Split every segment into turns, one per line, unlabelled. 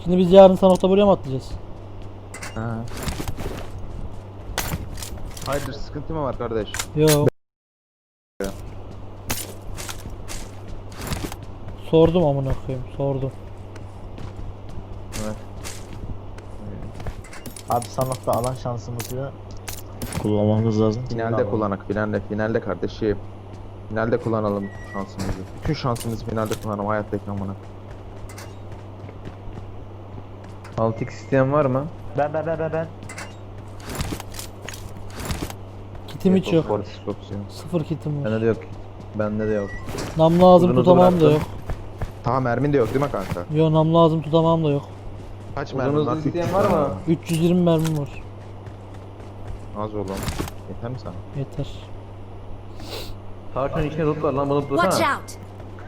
Şimdi biz yarın Sanok'ta buraya mı atlayacağız?
Ha. Hayırdır, sıkıntı mı var kardeş?
Yo. Sordum amına koyayım, sordum.
Evet.
Abi Sanok'ta alan şansımızı kullanmamız lazım.
Finalde kullanak, finalde kardeşim. Finalde kullanalım şansımızı. Bütün şansımızı finalde kullanalım hayattaki amına.
6x isteyen var mı?
Ben.
Kitim hiç yok.
Opsiyon.
Sıfır kitim var.
Bende de yok. Bende de yok.
Nam lazım
Uzun
tutamam da
bıraktım.
yok.
Tamam, mermin de yok değil mi kanka?
Yo, nam lazım tutamam da yok.
Kaç
Uzun
mermin
hızlı
var?
isteyen
300
var mı?
mermin
320 mermim var.
Az oğlum. Yeter mi sana?
Yeter.
Tavşanın içine loot var lan, bunu
Watch
tutsana.
out!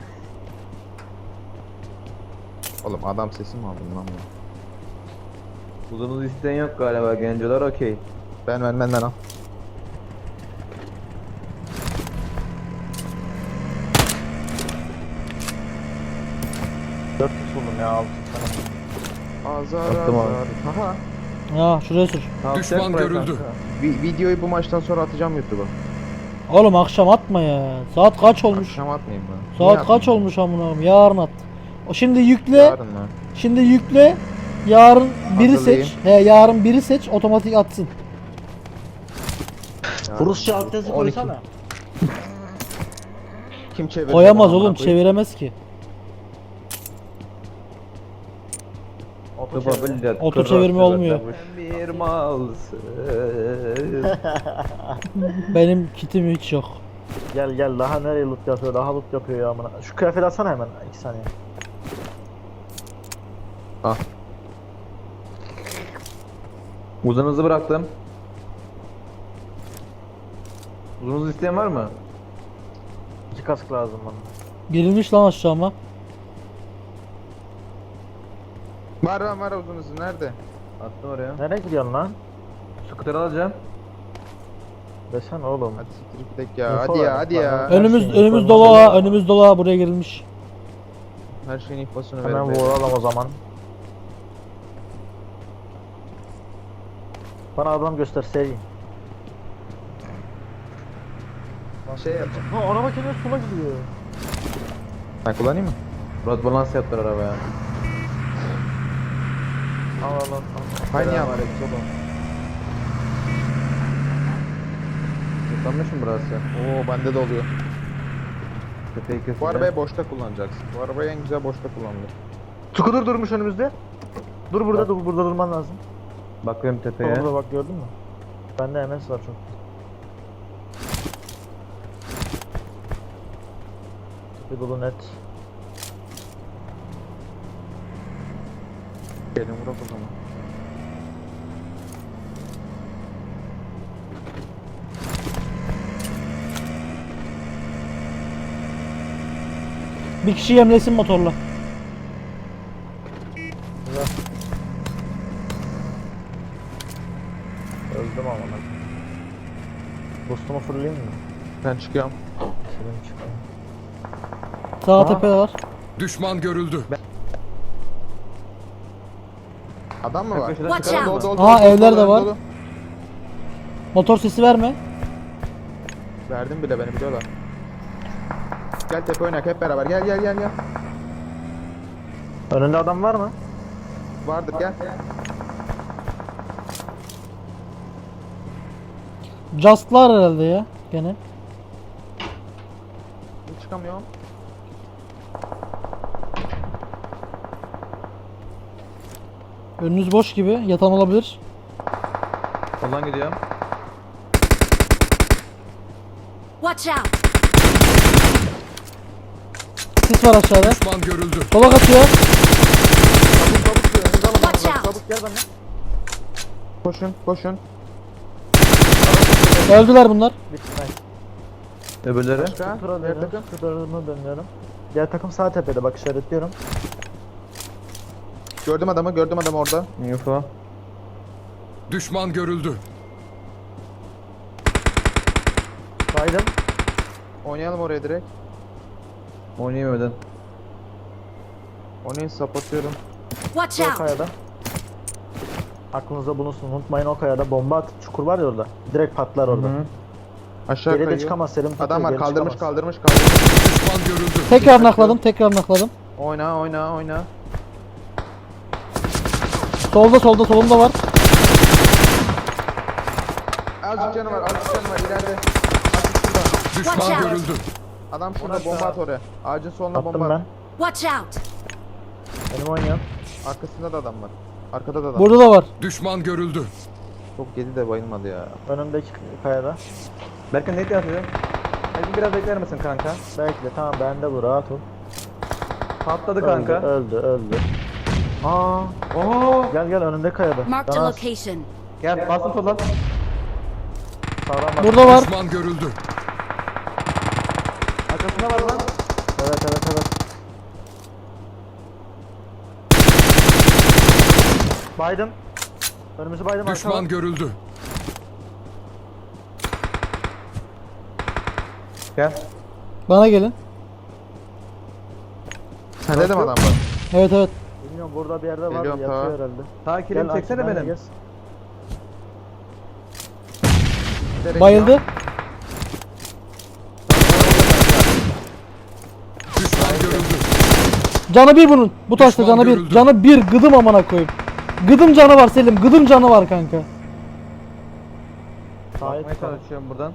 Oğlum adam sesi mi aldın lan bu?
Uzun hızlı isteyen yok galiba, gencolar okey.
Benden al.
Dört kişi buldum ya 6 tane.
Azar
Attım abi.
azar. Aha.
Ha, şuraya sür.
Düşman görüldü.
Videoyu bu maçtan sonra atacağım YouTube'a.
Oğlum akşam atma ya. Saat kaç olmuş?
Akşam atmayayım ben.
Saat kaç olmuş amına koyayım? Yarın at. O şimdi yükle.
Yarın mı?
Şimdi yükle. Yarın biri
Hazırlayayım.
seç. Yarın biri seç, otomatik atsın.
Yarın.
Rusça alt yazı
12.
koysana.
Kim çevirecek?
Koyamaz
amına
oğlum,
koyayım?
çeviremez ki.
Oto çevir.
Oto çevirme olmuyor.
Bir malsın.
Benim kitim hiç yok.
Gel daha nereye loot yapıyor, daha loot yapıyor ya amına. Şu kıyafet alsana hemen 2 saniye.
Uzun hızlı bıraktım. Uzun hızlı isteyen var mı?
2 kask lazım bana.
Girilmiş lan aşağıma.
Var uzun hızlı nerede?
Attım oraya.
Nereye gidiyorsun lan?
Scooter alacağım.
Desene oğlum.
Hadi siktir gidek ya.
Info
Hadi ya
ver,
hadi
bana.
ya.
Önümüz
şeyin
önümüz
informasyonu
dolu ha,
var.
önümüz dolu ha, buraya girilmiş.
Her şeyin infosunu
Hemen
verin.
vuralım o zaman. Bana adam göster seveyim.
Şey yapacağım.
Ha araba kendine sola gidiyor.
Ben kullanayım mı?
Rot balans yaptılar arabaya.
Allah.
Aynı ya.
Yıkanmış mı burası?
Oo bende de oluyor.
Tepeyi kesin.
Bu arabayı boşta kullanacaksın. Bu arabayı en güzel boşta kullanılır.
Scooter durmuş önümüzde. Dur burada, dur burada durman lazım.
Bakıyorum tepeye.
Orada bak gördün mü? Bende MS var çok. Tepe dolu net.
Gelin vurak o zaman.
Bir kişi yemlesin motorla.
Güzel. Öldüm ama lan. Boost'umu fırlayayım mı?
Ben çıkıyorum.
Selim çıkayım.
Sağ
Aa.
tepe var.
Düşman görüldü.
Adam mı var?
Köşeden
Watch
çıkalım
out.
mı?
Aa, evler de var. Motor sesi verme.
Verdim bile, beni biliyorlar. Gel tepe oynak hep beraber. Gel.
Önünde adam var mı?
Vardır gel.
Just'lar herhalde ya gene.
Çıkamıyorum.
Önünüz boş gibi, yatan olabilir.
Soldan gidiyorum.
Watch out!
Sis var aşağıda.
Düşman görüldü.
Sola kaçıyor.
Watch out!
Çabuk gel bana.
Koşun.
Öldüler bunlar.
Bitti nice.
Öbürleri.
Başka?
Scooter'a
Diğer
dönüyorum.
takım.
Scooter'ıma dönüyorum. Diğer takım sağ tepede bak işaretliyorum.
Gördüm adamı orada.
Info.
Düşman görüldü.
Saydım.
Oynayalım oraya direkt.
Oynayamadım.
Oynayın, sapatıyorum.
Watch
O
out!
kayada. Aklınızda bulunsun. Unutmayın o kayada bomba at. Çukur var ya orada. Direkt patlar orada.
Aşağı
Geri de
kayıyor.
çıkamaz Selim. tutuyor,
Adam var
geri
kaldırmış
çıkamaz.
kaldırmış kaldırmış.
Düşman görüldü.
Tekrar nakladım, tekrar nakladım.
Oyna oyna oyna.
Solda solunda var.
Azıcık canı var azıcık canı var ileride. Azıcık şurada.
Watch
Düşman
out!
görüldü.
Adam şurada bomba at oraya. Ağacın soluna
Attım
bomba
ben.
at.
Watch out!
Benim oynayan.
Arkasında da adam var. Arkada da adam.
Burada da var.
Düşman görüldü.
Çok yedi de bayılmadı ya.
Önümdeki kayada.
Berkan ne atıyor? Hadi biraz bekler misin kanka?
Bekle tamam bende bu rahat ol.
Patladı kanka.
Öldü. Aa,
Oo.
gel önümde kayada.
Marked a
Daha
location.
Gel basın soldan.
sağdan bak.
Burada var.
Düşman görüldü.
Arkasında var lan.
Evet. Baydım. Önümüzü baydım
Düşman
arkadan.
görüldü.
Gel.
Bana gelin.
Sende de mi adam var?
Evet.
Bilmiyorum burada bir yerde var.
Geliyorum,
Yatıyor
tamam.
herhalde.
Sağ kilimi çeksene
Akif,
benim.
gez.
Giderek
Bayıldı.
ya.
Düşman görüldü.
Canı bir bunun. Bu taşta
Düşman
canı bir.
görüldü.
Canı bir. Gıdım amına koyayım. Gıdım canı var Selim. Gıdım canı var kanka.
Tayyip
Bakmaya çalışıyorum buradan.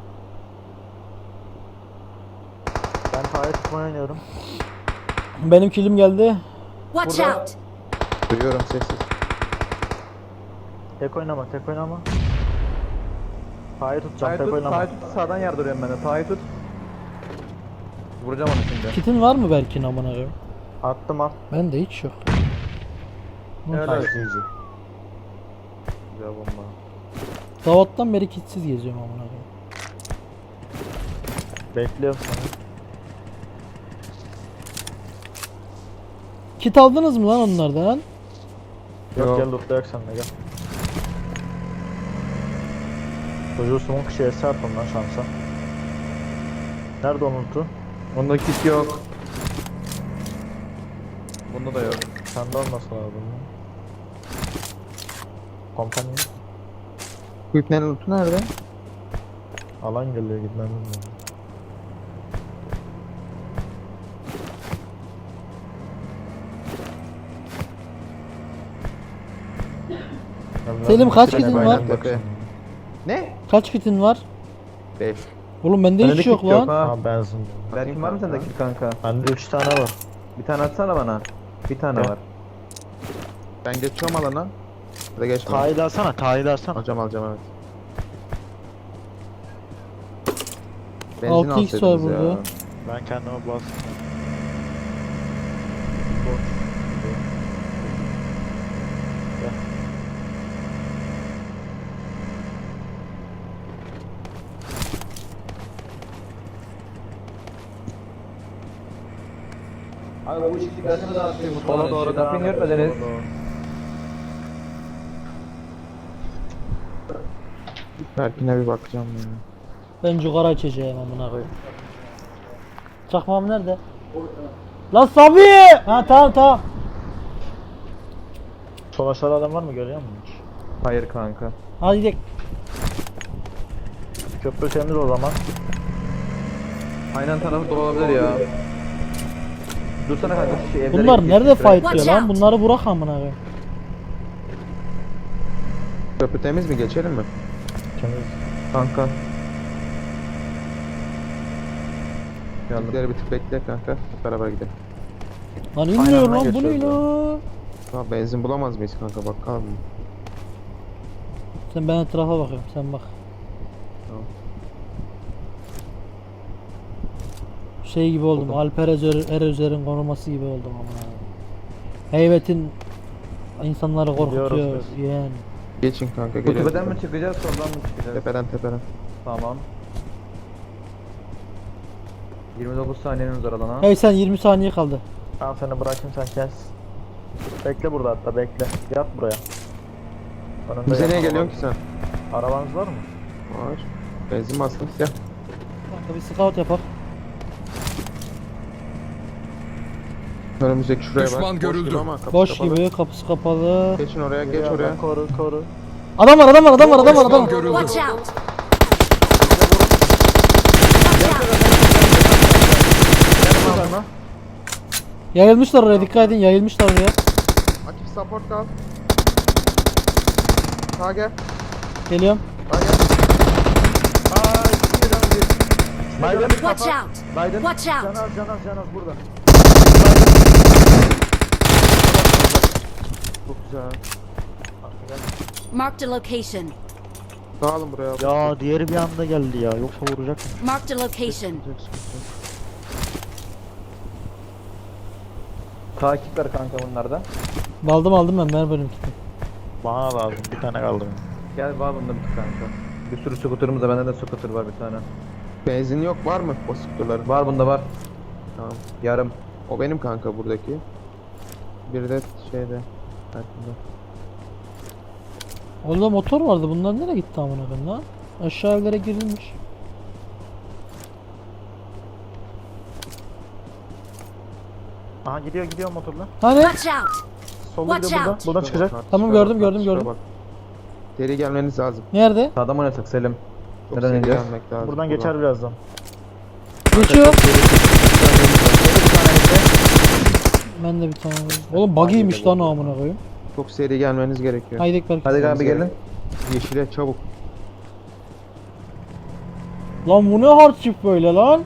Ben Tayyip tutmayı oynuyorum.
Benim kilim geldi.
Watch
Burada-
out!
Duyuyorum sessiz.
Tek oynama. Tayyip tutacağım
Sağa
tek
tut,
oynama.
sağa tut. Sağdan yardırıyorum ben de. Sağa tut. Vuracağım onu şimdi.
Kitin var mı Berkin amına koyayım?
Attım al.
Bende hiç yok.
Evet,
Nice,
evet.
easy.
Güzel bomba.
Davattan beri kitsiz geziyorum amına koyayım.
Bekliyorum seni.
Kit aldınız mı lan onlardan?
Yok gel lootlayak sen de gel. Çocuğu smoke şeye serpim lan şansa. Nerede o lootu?
Onda kit yok. Bunda da yok.
Sende olması lazım. Kompanya.
Bu ipnenin lootu nerede?
Alan geliyor gitmemiz lazım.
Selim, kaç
Trene
kitin
bayrak
var?
yaksın.
Ne?
Kaç kitin var?
5.
Oğlum bende
Bende
hiç
kit
yok
yok
lan.
ha.
Ha benzin.
Berkin var mı sende kit kanka?
Bende 3 tane var.
Bir tane atsana bana. Bir tane
Gel.
var.
Ben geçiyorum alana. Ya da geçme.
Tahil alsana, tahil alsana.
Alacağım evet. Benzin
6x var
alsaydınız
burada.
ya.
Ben kendime bastım.
Sola doğru kapıyı görmediniz.
Berkin'e bir bakacağım ya.
Ben cigara içeceğim amına koyayım. Çakmağım nerede? Lan Sabi! Ha tamam.
Sol aşağıda adam var mı görüyor musun?
Hayır kanka.
Hadi gidelim.
Köprü temiz o zaman.
Aynen tarafı dolu olabilir ya. Dursana kanka şu şey evlere
Bunlar
git,
nerede
şuraya.
fight diyor
Watch
lan?
out.
Bunları bırak amına koyayım.
Köprü temiz mi? Geçelim mi?
Temiz.
Kanka. Geldim.
Bizleri bir tık bekle kanka. Hep beraber gidelim.
Lan inmiyor
Aynen,
lan bu ne
geçiyoruz
lan?
Tamam benzin bulamaz mıyız kanka? Bakalım.
Sen ben etrafa bakıyorum sen bak.
Tamam.
Şey gibi oldum. Alper Erözer'in koruması gibi oldum amına koyayım. Heybetin insanları korkutuyor
Gidiyoruz
yani.
Geçin kanka
Bu
geliyoruz.
tepeden mi çıkacağız soldan mı çıkacağız?
Tepeden.
Tamam. 29 saniyeniz var alana.
Hey sen 20 saniye kaldı.
Ben seni bırakayım sen kes. Bekle burada hatta bekle. Yat buraya. Önümde
Bize
yat,
niye
araba-
geliyorsun ki sen?
Arabanız var mı?
Var. Benzin bastım. Gel.
Kanka bir scout yapak.
Önümüzdeki şuraya bak.
Düşman
Boş
görüldü.
gibi ama kapısı
Boş
kapalı.
gibi, kapısı kapalı.
Geçin oraya, geç
Geliyor
oraya.
adam, koru koru.
Adam var, adam var, adam var, adam var,
Düşman
adam var.
görüldü.
Watch out! Watch out!
Adamı.
Yayılmışlar oraya, dikkat edin, yayılmışlar oraya.
Akif support kal. Sağa gel.
Geliyorum.
Sağa gel.
Biden
Watch out!
Biden.
Watch out!
Canaz burada. Çok güzel.
Marked a location.
Dağılın buraya.
Ya diğeri bir anda geldi ya. Yoksa vuracak mı?
Marked a location.
Takipler kanka bunlarda.
Aldım ben, ver bölüm kitim.
Bana lazım. Bir tane kaldı.
Gel var bunda bir kanka. Bir sürü scooter'ımız da, bende de scooter var bir tane.
Benzin yok, var mı o sıktıların?
Var bunda var.
Tamam.
Yarım.
O benim kanka buradaki. Bir de şeyde. Arkada.
Orada motor vardı, bunlar nereye gitti amına koyayım lan? Aşağı evlere girilmiş.
Aha gidiyor motorla.
Hani?
Watch out!
Solda
Watch
gidiyor buradan.
out.
Buradan
Şuraya
çıkacak.
bak,
Tamam,
şuraya
gördüm,
bak,
gördüm,
şuraya
gördüm.
bak. Seri gelmeniz lazım.
Nerede?
Sağdan oynasak Selim.
Çok
Neden
seri
ineceğiz?
gelmek lazım.
Buradan geçer birazdan.
Geçiyor. Ben de bir tane vurayım. Oğlum buggy'ymiş lan amına koyayım.
Çok seri gelmeniz gerekiyor.
Haydi belki.
Hadi abi gelin.
Yeşile çabuk.
Lan bu ne hardship böyle lan?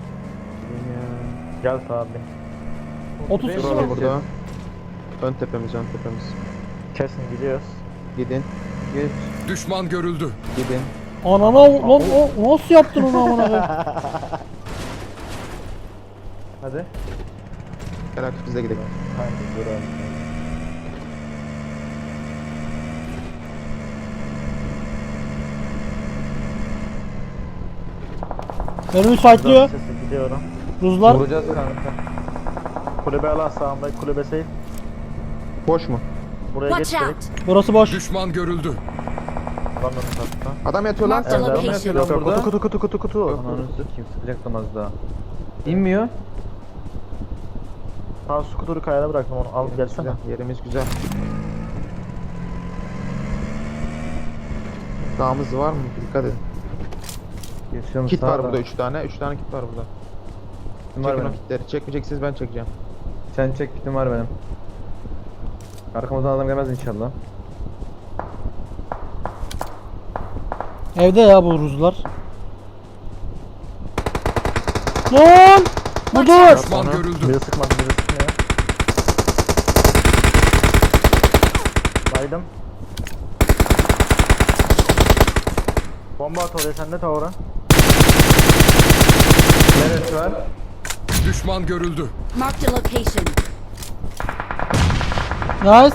Gel abi.
30
Duralım
kişi var.
burada. Ön tepemiz.
Kesin gidiyoruz.
Gidin.
Geç.
Düşman görüldü.
Gidin.
Anana lan o nasıl yaptın onu amına koyayım?
Hadi.
Gel Akif biz de gidelim.
Hadi dur abi.
Önümü fightlıyor.
Sesi gidiyorum.
Ruzlar.
Vuracağız kanka.
Kulübe ala sağımda kulübe safe.
Boş mu?
Buraya geç
Watch
dedik.
out!
Burası boş.
Düşman görüldü.
Adamın hatta.
Adam yatıyor lan.
Marked a
Evet,
location.
Yok, yok, burada.
Kutu.
Ananı sikeyim, sıkacaktım az daha. İnmiyor.
Sağ skuturu kayada bıraktım onu. Al gelsene.
Güzel, yerimiz güzel. Dağımız var mı? Dikkat edin.
Geçiyorum
Kit var
sağdan.
burada 3 tane. 3 tane kit var burada.
Kitim var
Çekin o
benim.
kitleri. Çekmeyeceksiniz ben çekeceğim.
Sen çek, kitim var benim. Arkamızdan adam gelmez inşallah.
Evde ya bu ruzlar. Lan! Budur!
Düşman görüldü.
Biri sıkmadı, biri sıkmıyor. Baydım. Bomba at oraya, sen de tavura.
Neresi var?
Düşman görüldü.
Marked a location.
Nice.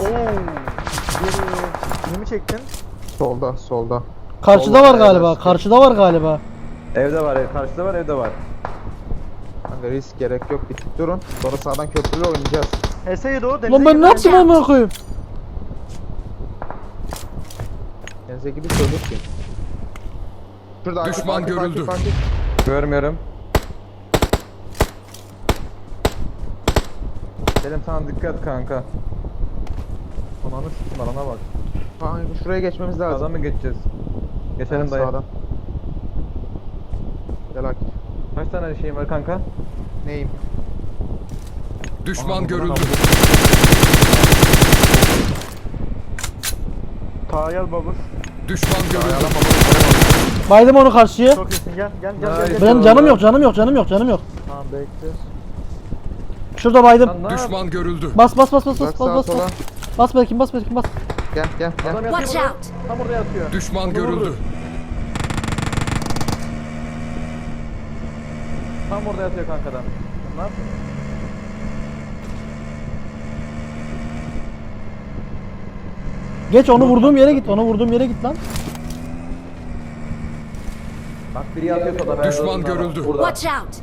Kimi mi çektin?
Solda.
Karşıda var galiba. Karşıda var galiba.
Evde var, karşıda var, evde var.
Kanka risk gerek yok. Bir tık durun. Sonra sağdan köprüyle oynayacağız.
Eseydi o, denize
Lan ben
girdi.
ne yaptım amına koyayım?
Denize gibi söylüyor ki. Şurada Akif,
Düşman
Akif,
görüldü.
Akif, Akif.
Görmüyorum. Selim sana dikkat kanka. Ananı sikim, alana bak.
Kanka şuraya geçmemiz lazım.
Sağdan mı geçeceğiz? Geçelim dayı.
Sağdan. Gel Akif.
Kaç tane şeyim var kanka?
Neyim?
Düşman görüldü.
Tağa gel babur.
Düşman görüldü.
Baydım onu karşıya.
Çok iyisin, gel.
Nice.
Benim canım yok. Canım yok.
Tamam bekliyoruz.
Şurada baydım.
Lan ne
Düşman görüldü.
Bas.
Bak sağa sola.
Bas bakayım.
Gel.
Adam yatıyor
Watch
burada.
out!
Tam orada yatıyor.
Düşman görüldü.
Tam orada yatıyor kanka adam. Ne yapayım?
Geç onu vurduğum yere git. Lan.
Bak biri yatıyor soda. ben
Düşman
de orada.
görüldü.
Burada.
Watch out!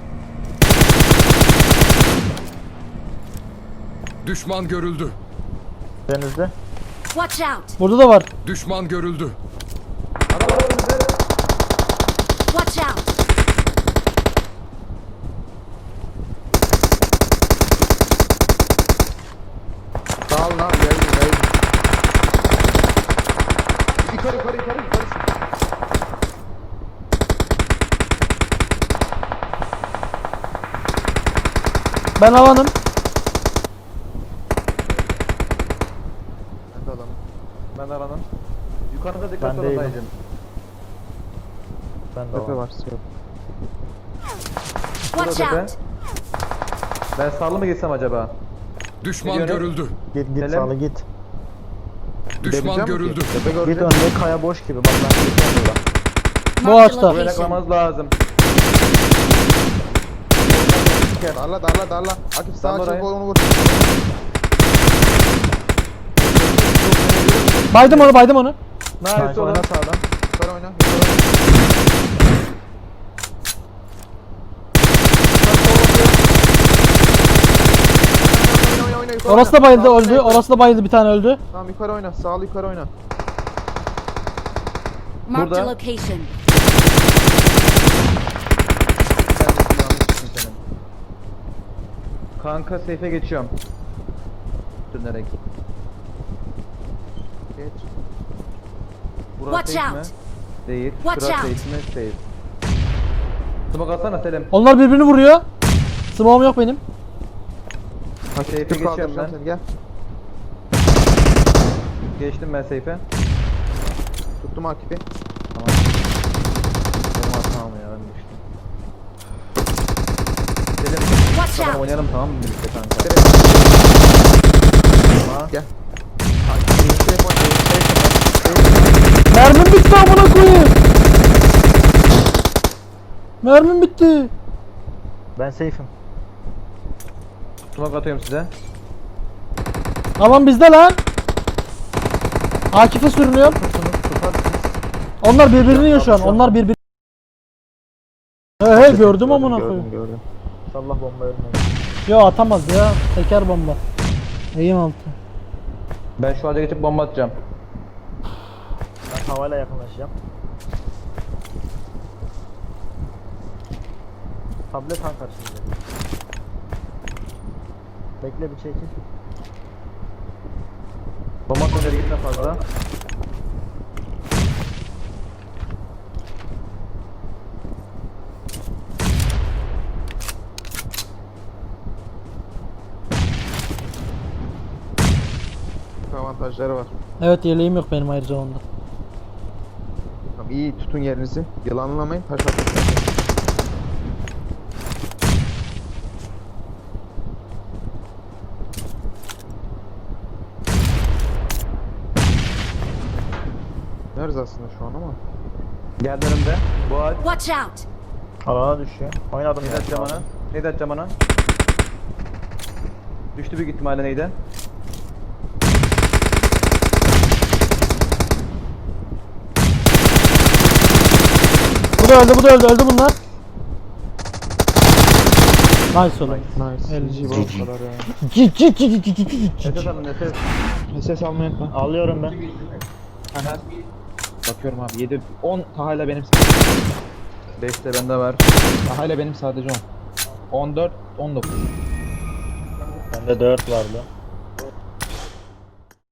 Düşman görüldü.
Denizde.
Watch out!
Burada da var.
Düşman görüldü.
Watch out!
Ben alanım.
Ben de adamım.
Ben de aranın. Yukarıda dikkat
Ben
olun
değilim.
dayıcım.
Ben de
Tepe
var.
var. Yok.
Watch
tepe.
out!
Ben sağlı mı gitsem acaba?
Düşman
Gidiyorum.
görüldü.
Git
Selim.
sağlı git.
Düşman
Gidebilecek
görüldü.
misin? Tepe
Git
gördüm.
önde kaya boş gibi. Bak ben gideceğim burada.
Bu
Marked a
ağaçta.
Böyle
location.
yaklamamız lazım.
Darla darla darla. Akif sağa
Darla
çek
orayı.
onu vur.
Baydım onu, baydım onu.
Nice
Nice
oğlum.
oyna sağdan.
Yukarı oyna. Yukarı oyna. Oyna, oyna, yukarı
Orası da
oyna.
bayıldı,
Sağ
öldü.
yukarı.
Orası da bayıldı, bir tane öldü.
Tamam yukarı oyna. Sağlı yukarı oyna.
Marked a
Burada.
location.
Sen de yanlışsın senin. Kanka safe'e geçiyorum. Dönerek.
Geç.
Burası
Watch
safe mi?
out.
Değil.
Watch
Şurası
out.
safe mi? Değil. Smoke atsana Selim.
Onlar birbirini vuruyor. Smoke'um yok benim.
Safe'e
Dur
geçiyorum
kaldıracağım
ben.
seni gel.
Geçtim ben safe'e.
Tuttum Akif'i.
Tamam. Benim hatam ya ben geçtim. Selim.
Watch
Tamam
out!
oynayalım tamam mı birlikte kanka? Tamam.
Gel.
Mermim bitti amına koyayım. Mermim bitti.
Ben safe'im.
Smoke atıyorum size.
Alan bizde lan. Akif'e sürünüyorum. Onlar birbirini yiyor şu an. Onlar birbirini. He gördüm amına koyayım.
Gördüm.
İnşallah bomba ölmeyin.
Yo atamaz ya. Teker bomba. Eğim altı.
Ben şu ağaca geçip bomba atacağım.
Ben havayla yakınlaşacağım. Tablet han karşısında. Bekle bir çekil.
Bomba atma ileri gitme fazla.
Avantajları var.
Evet yeleğim yok benim ayrıca onda.
Tamam iyi tutun yerinizi. Yılanlamayın. Taş atın. Nerede aslında şu an ama?
Geldi önümde. Bu ağaç.
Watch out!
Alana düşüyor. Oynadım
Ne
ya.
atacağım ona? Ne atacağım ona? Düştü büyük ihtimalle neydi?
Bu da öldü, bu da öldü. Öldü bunlar. Nice oğlum.
Nice.
El-
GG bu kadar ya.
Cik cik cik cik cik cik.
Nefes alın nefes.
Ses almayı unutma.
Alıyorum ben.
Aha. Bakıyorum abi 7 10 Taha'yla benim
5 de bende var.
Taha'yla benim sadece 10. 14 19.
Bende 4 vardı.